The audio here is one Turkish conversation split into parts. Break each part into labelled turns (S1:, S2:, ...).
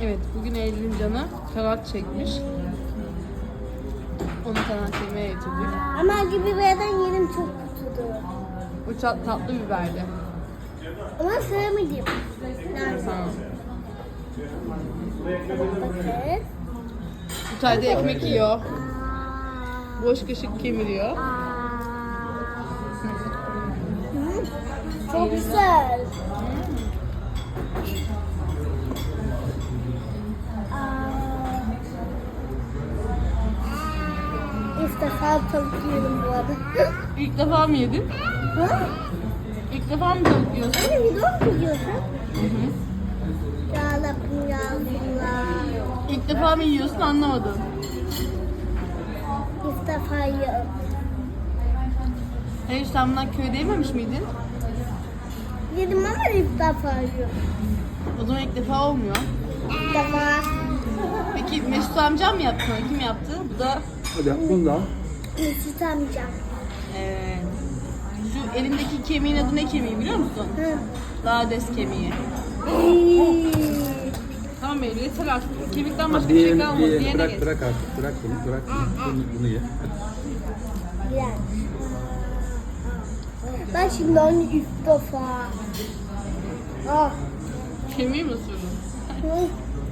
S1: Evet, bugün Eylül'ün canı kanat çekmiş. Onu kanat yemeye getirdik.
S2: Ama acı biberden yerim çok kötüdür.
S1: Bu tatlı biberdi.
S2: Ama sevmedim.
S1: Tamam.
S2: Bakın.
S1: Bu çayda ekmek yiyor. Boş kaşık kemiriyor.
S2: Çok güzel. İlk defa tavuk yiyorum bu arada.
S1: İlk defa mı yedin?
S2: Ha?
S1: İlk defa mı tavuk yiyorsun?
S2: Hani video mu yiyorsun?
S1: Hı hı.
S2: Ya Rabbim ya Allah.
S1: İlk defa mı yiyorsun anlamadım.
S2: İlk defa yiyorum.
S1: Hayır, sen bundan köyde yememiş miydin?
S2: Yedim ama ilk defa yiyorum.
S1: O zaman ilk defa olmuyor.
S2: İlk defa.
S1: Peki Mesut amcam mı yaptı? Kim yaptı? Bu da
S3: Hadi bunu da al.
S2: Mesut amca.
S1: Şu elindeki kemiğin adı ne kemiği biliyor musun?
S2: Hı.
S1: Lades kemiği. Tamam Eylül, yeter artık. Kemikten başka bir şey kalmadı. Diğerine
S3: Bırak
S1: geç.
S3: bırak artık. Bırak bunu. Bırak bunu ye.
S2: Güzel. Ben şimdi onu ilk defa. Ah.
S1: Kemiği mi sürdün?
S2: Hı.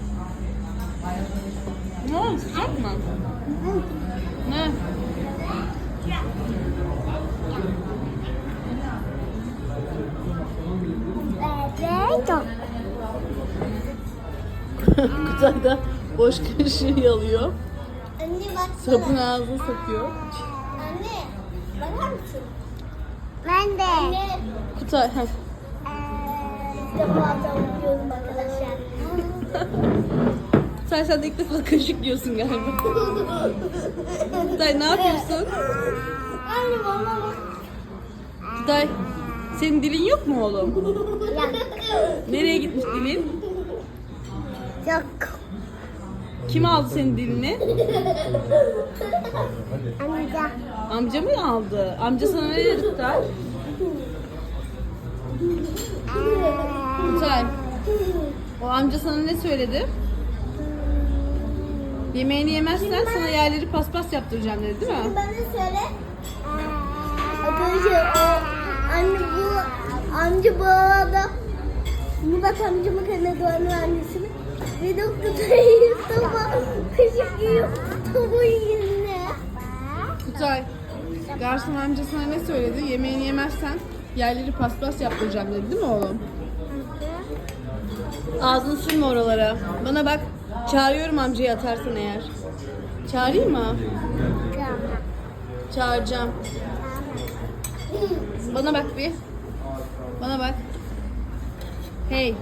S1: Ne oldu? Sıcak mı?
S2: Hı.
S1: Ne?
S2: Evet.
S1: Kutayda boş kaşığı yalıyor.
S2: Anne baksana.
S1: Sapın ağzına sokuyor.
S2: Anne bakar mısın? Ben de. Anne.
S1: Kutay, heh.
S2: İlk defa tavuk yiyorum arkadaşlar.
S1: Sen de ilk defa kaşık yiyorsun galiba. Kutay ne yapıyorsun?
S2: Anne bana bak.
S1: Kutay, senin dilin yok mu oğlum?
S2: Yok.
S1: Nereye gitmiş dilin?
S2: Yok.
S1: Kim aldı senin dilini?
S2: Amca.
S1: Amca mı aldı? Amca sana ne dedi Kutay? Kutay, o amca sana ne söyledi? Yemeğini yemezsen sana yerleri paspas yaptıracağım dedi değil mi?
S2: Bana söyle. Arkadaşlar anne bu amca bu arada Murat amcamın kanadığının annesini ve doktorayı sabah kaşık yiyor tavuğun yerine.
S1: Kutay, garson amca sana ne söyledi? Yemeğini yemezsen yerleri paspas yaptıracağım dedi değil mi oğlum? Ağzını sürme oralara. Bana bak, çağırıyorum amcayı atarsan eğer. Çağırayım mı? Çağıracağım. Bana bak bir. Bana bak. Hey.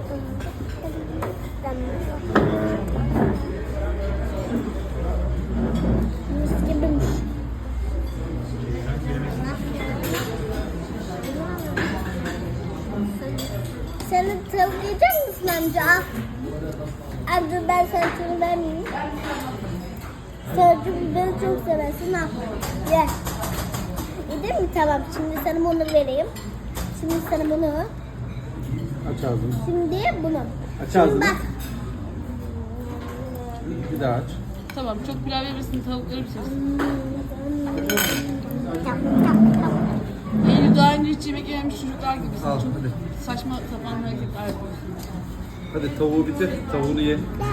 S2: Mis gibiymiş. Sen de tavuk yiyecek misin amca? Amca ben sana şunu vermeyeyim. Sen biberi çok seversin ha. Ye. Yedin mi? Tamam. Şimdi sana bunu vereyim. Şimdi sana bunu.
S3: Aç ağzını.
S2: Şimdi bunu.
S3: Aç
S2: Şimdi
S3: ağzını.
S2: bak.
S3: Bir daha aç.
S1: Tamam, çok pilav verirsin, tavukları pişirsin. Eylül daha önce hiç yemek yememiş çocuklar gibisin.
S3: Al
S1: Çok
S3: hadi.
S1: saçma sapan hareketler yapıyorsun.
S3: Hadi tavuğu bitir. Tavuğunu ye.